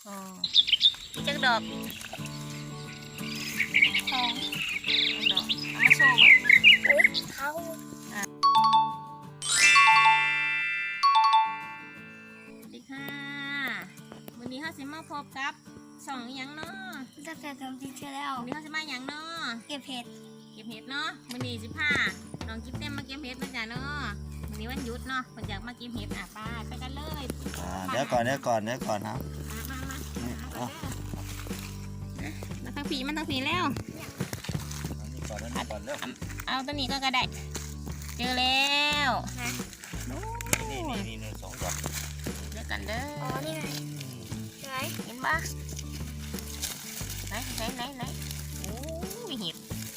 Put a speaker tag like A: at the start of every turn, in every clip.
A: อ๋อมีจักดอก
B: สอง
A: ดอกเอามาโชว์มั้ย
B: อุ้ยเขา
A: สวัสดีค่ะวันนี้เขาสิมาพบกับช่องอิหยังเนาะ
B: จะเสร็จทำจริงใช่แล้ว
A: วันนี้เขาสิมาหยังเนาะ
B: เก็บเห็ด
A: เก็บเห็ดเนาะวันนี้สิพาน้องกิ๊บเต็มมาเก็บเห็ดมาจ้ะเนาะวันนี้วันหยุดเนาะคนอยากมาเก็บเห็ดไปกันเลย
C: เดี๋ยวก่อนครับ
A: มา
C: นี่เอา
A: มาทางผีมันทางผีแล้ว
C: อันนี้ก่อนเร็ว
A: เอาตัวนี้ก็ได้เจอแล้วโอ้
C: นี่สองดอก
A: เดี๋ยวกันเด้
B: อ๋อ
A: อ
B: นี่ไงไหน
A: เห็นปะไหนโอ้ยเห็ด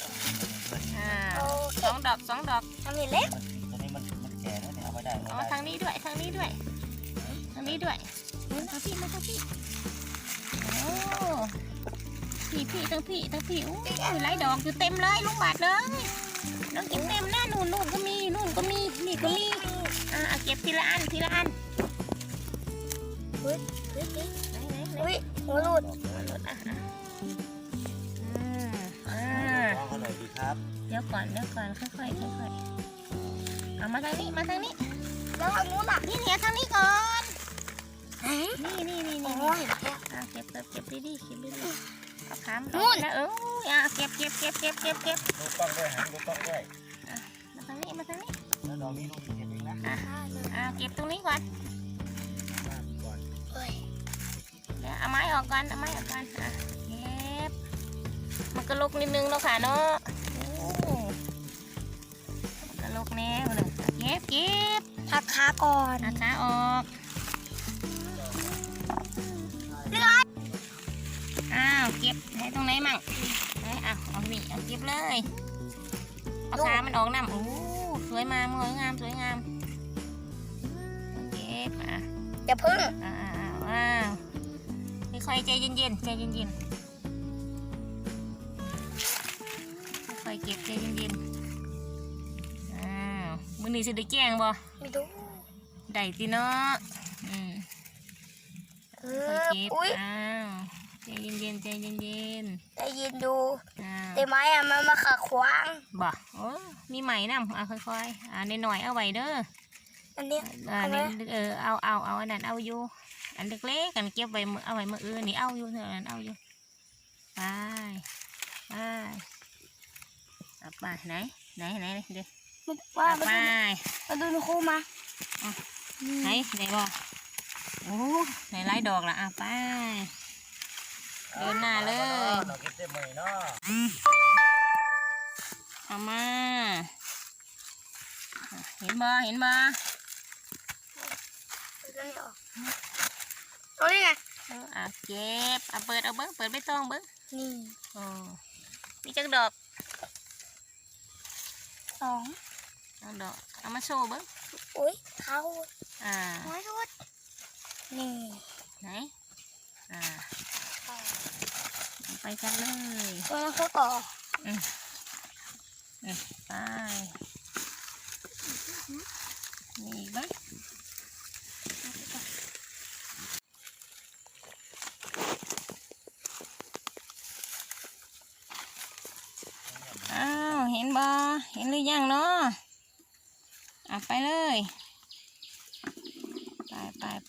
A: สองดอก
B: ทำเห็ดเล็ก
C: ตัวนี้มันแก่แล้วเนี่ยเอาไว้ได้
A: อ๋อทางนี้ด้วยทางนี้ด้วยทางพี่โอ้พี่ทั้งพี่โอ้ยหลายดอกอยู่เต็มเลยลูกบาทเลยน้องกินเต็มหน้านู่นก็มีนี่ก็มีเก็บทีละอัน
B: อุ้ย
A: ไหน
B: อุ้ยหัวหลุด
C: เขาหน่อยดีครับ
A: เดี๋ยวก่อนค่อยเอามาทางนี้
B: แล้วทางนู้นล่ะ
A: นี่ทางนี้ก่อน
B: ไหน
A: นี่
B: โอ้ยเห็ดแค่
A: เก็บดีเอาขาม
B: นู่น
A: แล้วเก็บ
C: ดูกล้องด้วยหันดูกล้องด้วย
A: มาทางนี้
C: แล้วดอกนี้ลูกเก็บเองนะ
A: เก็บตรงนี้ก่อน
C: ก่อน
B: เฮ้ย
A: เดี๋ยวเอาไม้ออกก่อนเก็บมันก็ลกนิดนึงแล้วค่ะเนาะโอ้มันก็ลกแน่เลยเก็บ
B: พักขาก่อน
A: ขาออกเก็บให้ตรงไหนมั่งเอานี่เอาเก็บเลยเอาขามันออกน้ำโอ้สวยงามเก็บ
B: อย่าพึ่ง
A: ว้าวค่อยๆใจเย็นค่อยๆเก็บใจเย็นมื้อนี้สิได้แกงบ่
B: ไม่รู้
A: ได้ติเนาะค่อยเก็บ
B: อุ้ย
A: ใจเย็น
B: ได้ยินดู
A: ๆ
B: แต่ไม้อะมันมาขัดขวาง
A: บ่โอ้มีไหมน้ำค่อยๆหน่อยเอาไว้เด้อ
B: อันเนี้ย
A: นี่เอาอันนั้นเอาอยู่อันเล็กๆกันเก็บไว้เอาไว้มื้ออื่นนี่เอาอยู่เท่านั้นเอาอยู่ไปไหนเดี๋ยว
B: ว่า
A: ไป
B: มาดูนคู่มา
A: ไหนบ่โอ้ไหนไล่ดอกละไปเดินหน้าเลย
C: ดอกเก็บเต็มเลยเนาะ
A: เอามาเห็นบ่
B: ตรงนี้ไง
A: เก็บเปิดเอาเปิดไม่ต้อง
B: นี่
A: โอ้มีจักดอก
B: สอง
A: ดอกเอามาโชว์
B: อุ้ยเขา
A: น้
B: อยสุดนี่
A: ไหนไปกันเลย
B: ตรงนั้นเขาต่อ
A: ไปมีอีกไหมเห็นบ่เห็นหรือยังเนาะไปเลยไป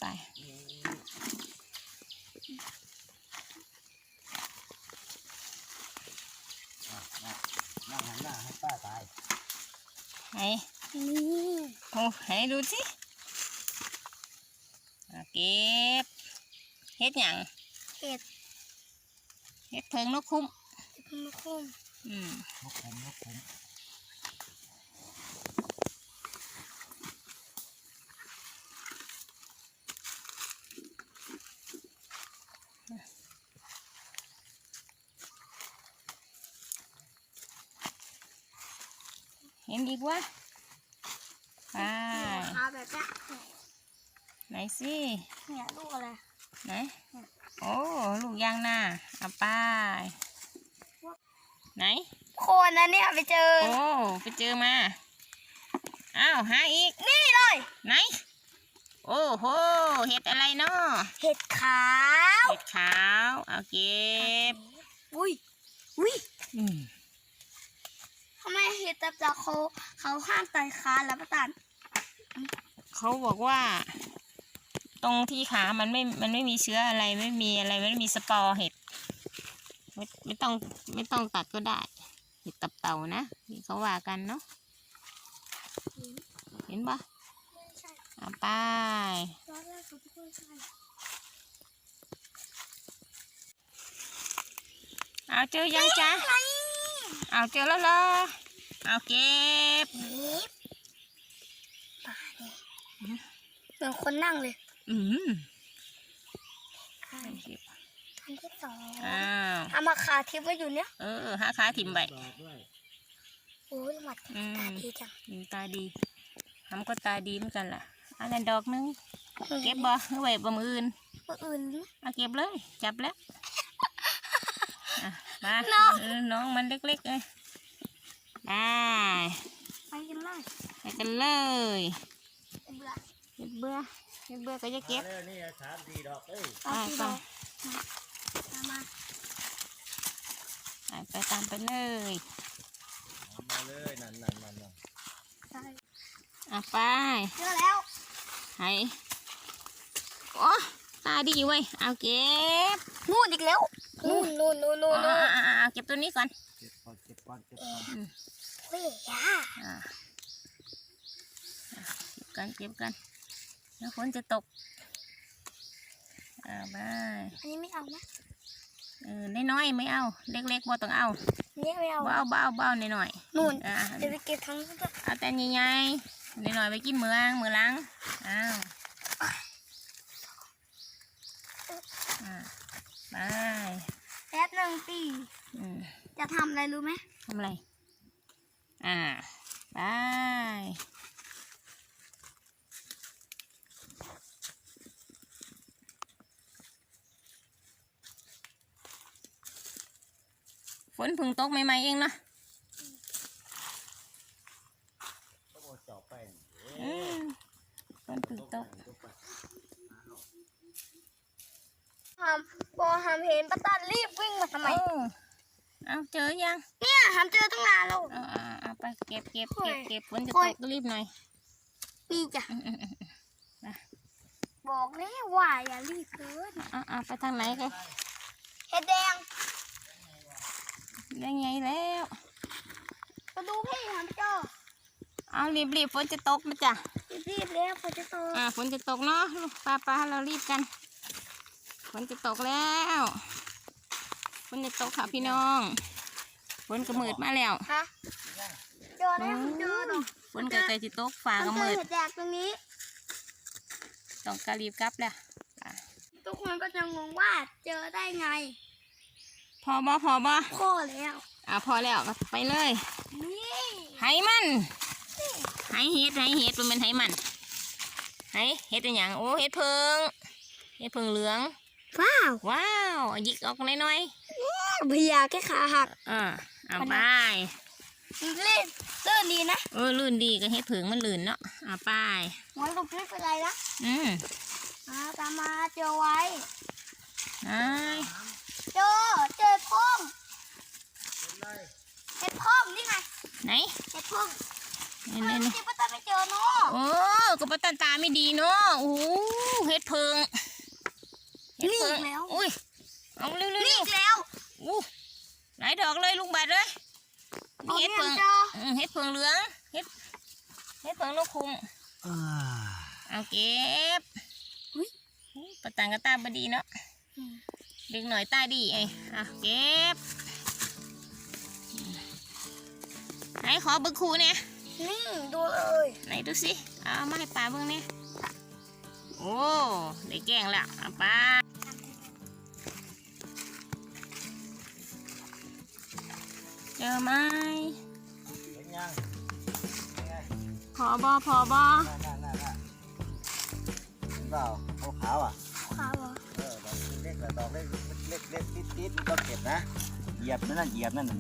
C: นั่งหันหน้าให้ป้าตาย
A: ไหน
B: นี่
A: โอ้ให้ดูสิเก็บเฮ็ดหยัง
B: เห็ด
A: เฮ็ดเพิงนกคุ้ม
B: มาคุ้ม
C: นกขุม
A: เห็นอีกวะไป
B: ขาแบบนี้
A: ไหนสิ
B: เนี่ยลูกอะไร
A: ไหนโอ้ลูกยางนาไปไหน
B: โคนนั้นเนี่ยไปเจอ
A: โอ้ไปเจอมาหาอีก
B: นี่เลย
A: ไหนโอ้โหเห็ดอะไรเนาะ
B: เห็ดขาว
A: เห็ดขาวเอาเก็บ
B: อุ้ย
A: อืม
B: ทำไมเห็ดตับจากเขาห้ามตัดขาแล้วป้าตัน
A: เขาบอกว่า ตรงที่ขามันไม่มีเชื้ออะไรไม่มีสปอร์เห็ดไม่ต้องตัดก็ได้เห็ดตับเต่านะที่เขาว่ากันเนาะเห็นปะ
B: ไม่ใช่
A: เอาไป
B: ตอนแรกเขาพูดใช่
A: เอาเจอยังจ๊ะเอาเจอแล้วเหรอเอาเก็บ
B: นี่ป่าเนี่ยเหมือนคนนั่งเลย
A: อืม
B: อันที่สอง
A: อ้าว
B: เอามาขาทิพย์ไว้อยู่เนี่ย
A: หาขาถิ่มไป
C: ดอกด้วย
B: โอ้ยหมัดตาดีจัง
A: ตาดีทำก็ตาดีเหมือนกันล่ะอันนั้นดอกนึงเก็บบ่เอาไว้บ่มืออื่น
B: คนอื่น
A: เอาเก็บเลยจับแล้วมาน้องมันเล็กๆเลยได้
B: ไปกันเลย
A: ไปกันเลย
B: เบื่อ
A: เก็บเบื่อก็จะเก็บ
C: มาเลยนี่3-4 ดอกเอ้ย
B: เอาที่เรามา
A: ไปตามไปเลย
C: เอามาเลยนั่น
B: ใช่
A: เอาไป
B: เจอแล้ว
A: ให้โอ้ตาดีเว้ยเอาเก็บ
B: นู่นอีกแล้วนู่น
A: เอาเก็บตัวนี้ก่อน
C: เก็บก่อน
B: เฮ้ยยา
A: เก็บกันแล้วฝนจะตกเอาไป
B: อันนี้ไม่เอานะ
A: น้อยๆไม่เอาเล็กๆบ่ต้องเอา
B: นี่ไม่เอา
A: เบาหน่อย
B: นู่น
A: ๆ
B: เดี๋ยวไปเก็บทั้งนู้นด้วย
A: เอาแต่ใหญ่ๆหน่อยๆไปกินมื้อหลังอ้าวไป
B: แป๊บหนึ่งปี
A: อืม
B: จะทำอะไรรู้ไหม
A: ทำอะไรไปฝนเพึ่งตกใหม่ๆเองเนาะ
C: ต้องเอาจอบไป
A: ฝนเพึ่งตก
B: พอทำเห็นป้าตันรีบวิ่งมาทำไม
A: เอาเจอยัง
B: เนี่ยทำเจอตั้งนานแล้ว
A: เอาไปเก็บฝนจะ
B: โอ้
A: ต
B: ย
A: กรีบหน่อย
B: นี่จ้ะบอกแล้วว่าอย่ารีบเกิน
A: เอาไปทางไหนกัน
B: เห็ดแดง
A: ได้ไงแล้ว
B: มาดูพี่ทำเจอ
A: เอารีบฝนจะตกนะจ๊ะ
B: รีบแล้วฝนจะตก
A: ฝนจะตกเนาะลูกป้าเรารีบกันฝนจะตกแล้วฝนจะตกค่ะพี่น้องฝนกระมืดมาแล้ว
B: ฮะเจอแล้วเจอดอก
A: ฝนก็ใกล้จะตกฟ้ากระ
B: เจอ
A: มืด
B: เห็ดแดงตรงนี้
A: ต้องกระรีบกลับแล้ว
B: ทุกคนก็จะงงว่าเจอได้ไง
A: พอบ่
B: พ่อแล้ว
A: พอแล้วไปเลย
B: นี่
A: ไหมันไหเห็ดมันเป็นไหมันไหเห็ดเป็นอย่างโอ้เห็ดเพิงเหลือง
B: ว้าว
A: ว้าวหยิกออกน้อย
B: พยาแค่ขาหัก
A: เอาไป
B: เล่นเลื่อนดีนะ
A: ลื่นดีก็เห็ดเพิงมันลื่นเนาะเอาไป
B: หัวลูกไม่เป็นไรนะ ตามมาเจอไว้
A: ไอ้
B: เจอพ่องเห็ดพ่องนี่ไง
A: ไหน
B: เห็ดพ่อง
A: นี่
B: ที่ป้าตาไม่เจอเนาะ
A: โอ้ก็ปตาไม่ดีเนาะโอ้เห็ดเพิง
B: นี่อีกแล้ว
A: อุ้ยเอาเร็ว
B: นี่อีกแล้ว
A: อู้หลายดอกเลยลุงบัดเลยมีเห็ดเพิง
B: เจอ
A: เห็ดเพิงเหลืองเห็ดเพิงนกคุ้มเอาเก็บปะตังกระตาบดีเนาะเด็กหน่อยตาดีไอ้เก็บไหนขอเบิ้งครูเนี่ย
B: นี่ดูเลย
A: ไหนดูสิเอามาให้ป่าเบิ้งเนี่ยโอ้ได้แกงแล้วเอาไปเจอไหม
C: เห็นยัง
A: พอบอ
C: นั่นเห็นเปล่าขาวอ่ะ
B: ขาวเหรอ
C: ดอกเล็กๆดอกเล็กติดๆต้องเก็บนะเหยียบนั่นนั่น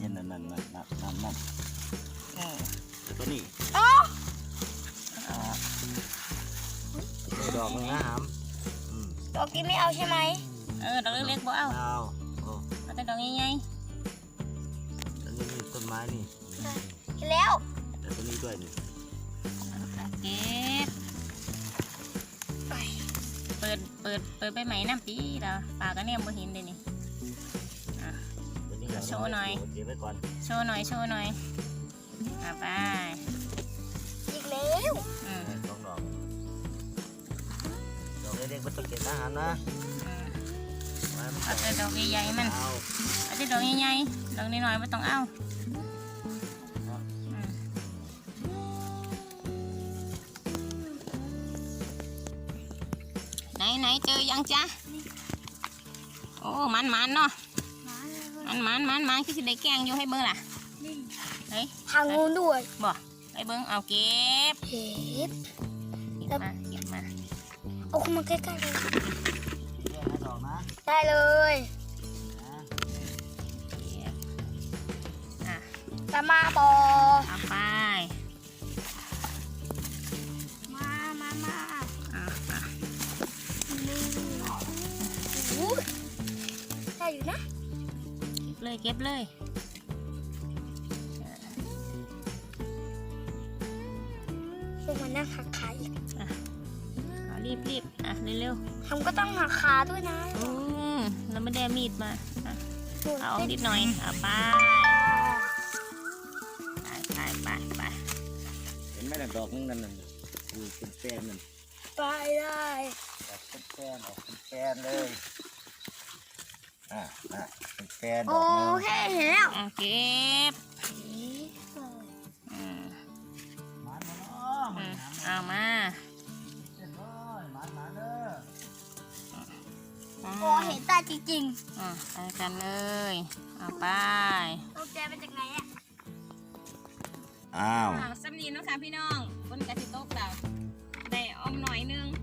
C: ตัวนี้
B: อ๋อ
A: ด
C: ดอกนึงนะหาม
B: ดอกนี้ไม่เอาใช่ไหม
A: ดอกเล็กๆบ่เอา
C: เอาโอ้
A: เอาแต่ดอกใหญ่
C: อันนี้มีต้นไม้นี่
B: เห็นแล้ว
C: แต่ต้นนี้ด้วยนี่
A: ๆเก็บเปิดใบใหม่น้ำปีเราปากก็เนี่ยบ่เห็นเลยนี่
C: ต้นนี้
A: โชว์หน่อย
C: เก็บไว้ก่อน
A: โชว์หน่อยไป
B: อีกแล้ว
C: สองดอกดอกเล็กๆมันต้องเก็บนะหามนะไว้มัน
A: เอาแต่ดอกใหญ่ๆมัน
C: เอา
A: เอาแต่ดอกใหญ่ๆดอกน้อยๆไม่ต้องเอาไหนเจอยังจ๊ะโอ้มันเนาะมันคือสิได้แกงอยู่ให้เบิ่งล่ะเฮ้ย
B: ทางงูด้วย
A: บ่ให้เบิ่งเอาเก็บ
B: เห็ด
A: เก็บมา
B: เอาเข้ามาใกล้ๆเลย
C: แยกให้ดอกนะ
B: ได้เลย
C: นะ
A: เก็บอ่ะ
B: จะมาบอ
A: เอาไป
B: มา
A: อ่ะ
B: นี่โอ้ยได้อยู่นะ
A: เก็บเลย
B: ลงมานั่งหักขาอีก
A: เอารีบอ่ะเร็ว
B: ทำก็ต้องหักขาด้วยนะ
A: แล้วไม่ได้มีดมาอ่ะเอาออกนิดหน่อยเอาไป
C: เห็นไหมล่ะดอกนึงนั่นน่ะดูเป็นแฟนนั่น
B: ไปได้
C: แบบเป็นแฟนออกเป็นแฟนเลยเป็นแฟนด
B: โอ
C: อกนึง
B: เคเห็นแล้ว
A: อ่ะเก็บอืม
C: หมาเนาะ
A: เอามา
C: เรียบร้อยหมาเด้อ
B: พอเห็นตาจริง
A: ไปกันเลยเอาไป
B: ๆตกใจมาจากไหนอ่ะ
C: อ้าว
A: สำนีเนาะค่ะพี่น้องบนกระติโต๊ะเราได้ออมหน่อยนึง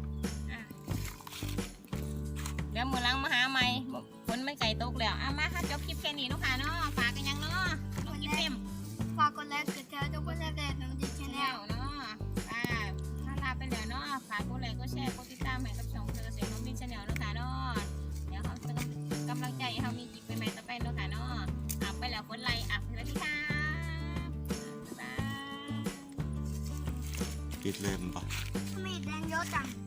A: เดี๋ยวมือล้างมาหาใหม่ฝนไม่ไก่ตกแล้วมาค่ะจบคลิปแค่นี้เนาะค่ะเนาะฝากกันยังเนาะลงคลิปเต็ม
B: ฝากกดไลค์กดแชร์ทุกคนแล้วแต่น้องดิฉัน
A: แล้
B: แล้ว
A: วเนาะถ้าลาไปแล้วเนาะฝากกดไลค์กดแชร์กดติดตามให้กับช่องเธอเสียงน้องมินชาแนลเนาะค่ะเนาะเดี๋ยวเขาจะกำลังใจให้เขามีคลิปใหม่ๆต่อไปเนาะค่ะเนาะไปแล้วกดไลค์สวัสดีค่ะบ๊ายบาย
C: ปิดเลยมั้งปะ
B: ทำไมแดงเยอะจัง